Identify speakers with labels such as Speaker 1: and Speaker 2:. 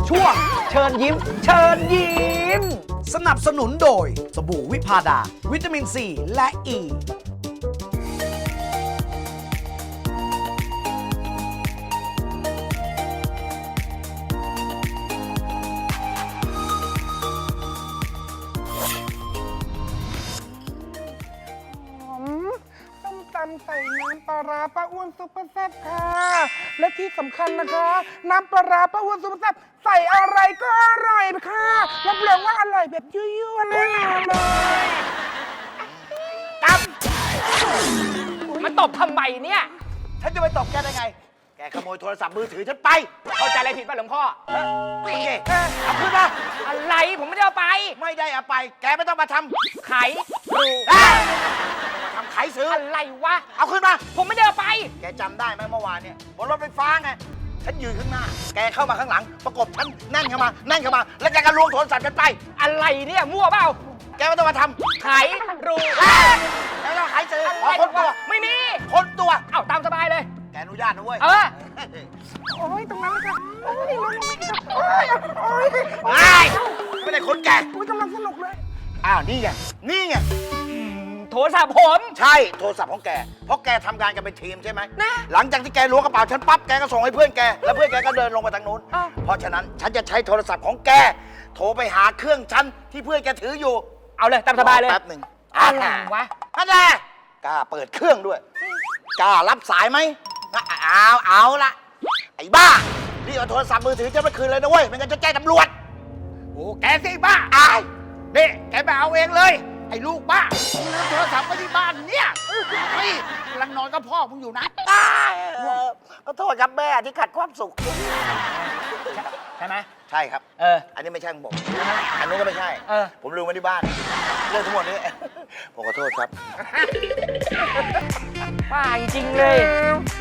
Speaker 1: ช่วงเชิญยิ้ม เชิญยิ้ม สนับสนุนโดยสบู่วิพาดา วิตามินซีและอ e. ี
Speaker 2: ส้มตำใส่น้ำปลาร้าป้าอ้วนซุปเปอร์แซ่บค่ะ และที่สำคัญนะคะ น้ำปลาร้าป้าอ้วนซุปเปอร์แซ่บใส่อะไรก็อร่อยค่ะรับรองว่าอร่อยแบบยั่วๆแน่นอนเลย
Speaker 3: มันตบทำไมเนี่ย
Speaker 4: ฉันจะไปตบแกได้ไง แกขโมยโทรศัพท์มือถือฉันไป
Speaker 3: เข้าใจอะไรผิดป่ะหลวงพ่อ
Speaker 4: โอเคเอาขึ้นมา
Speaker 3: อะไรผมไม่ได้เอาไป
Speaker 4: ไม่ได้เอาไป แกไม่ต้องมาทำ
Speaker 3: ไขรู
Speaker 4: มาทำไขซื้อ
Speaker 3: อะไรวะ
Speaker 4: เอาขึ้นมา
Speaker 3: ผมไม่ได้เอาไป
Speaker 4: แกจำได้ไหมเมื่อวานเนี่ยบนรถไฟฟ้าไง ฉันยืนข้างหน้า แกเข้ามาข้างหลัง ประกบฉันแน่นเข้ามา แล้วแกก็ล้วงโทรศัพท์ฉันไป
Speaker 3: อะไรเนี่ยมั่วเปล่า
Speaker 4: แกไม่ต้องมาทำ
Speaker 3: ไขรู
Speaker 4: แกไม่ต้องไขซื้อ
Speaker 3: อะไร
Speaker 4: ขอคนตัว
Speaker 3: วะไม่มี
Speaker 4: คนตัว
Speaker 3: เอ้าตามสบายเลย
Speaker 4: แกอนุญาตนะเว้ย
Speaker 3: เออ
Speaker 2: โอ้ยตรงนั้นเลยค่ะโอ้ยลงไปค่ะโอ้ยโอ้ย
Speaker 4: ไม่ได้คนแก
Speaker 2: โอ้ยกำลังสนุกเลย
Speaker 4: อ้าวนี่ไง นี่ไง
Speaker 3: โทรศัพท์ผม
Speaker 4: ใช่โทรศัพท์ของแก เพราะแกทำงานกันเป็นทีมใช่ไหม
Speaker 3: นะ
Speaker 4: หลังจากที่แกล้วงกระเป๋าฉันปั๊บ แกก็ส่งให้เพื่อนแก แล้วเพื่อนแกก็เดินลงไปทางนู้น
Speaker 3: อ้าว
Speaker 4: เพราะฉะนั้นฉันจะใช้โทรศัพท์ของแก โทรไปหาเครื่องฉันที่เพื่อนแกถืออยู่
Speaker 3: เอาเลยตามสบายเลย
Speaker 4: แป๊บหนึ่ง
Speaker 3: อะไรวะ
Speaker 4: นั่นแหละกล้าเปิดเครื่องด้วย กล้ารับสายไหมเอาละไอ้บ้ารีบเอาโทรศัพท์มือถือฉันไปคืนเลยนะเว้ย ไม่งั้นจะแจ้งตำรวจ
Speaker 5: โอ้แกสิบ้า
Speaker 4: อาย
Speaker 5: นี่แกไปเอาเองเลย ไอ้ลูกบ้ามึงลืมโทรศัพท์ไว้ที่บ้านเนี่ยเฮ้ยกำลังนอนกับพ่อมึงอยู่นะ
Speaker 4: ก็โทษครับแม่ที่ขัดความสุข
Speaker 3: ใช่ไหม
Speaker 4: ใช่ครับ
Speaker 3: เออ
Speaker 4: อันนี้ไม่ใช่ของผม อันนู้นก็ไม่ใช่
Speaker 3: เออ
Speaker 4: ผมลืมไว้ที่บ้าน เรื่องทั้งหมดนี้ ผมขอโทษครับ
Speaker 3: ป้าจริงๆเลย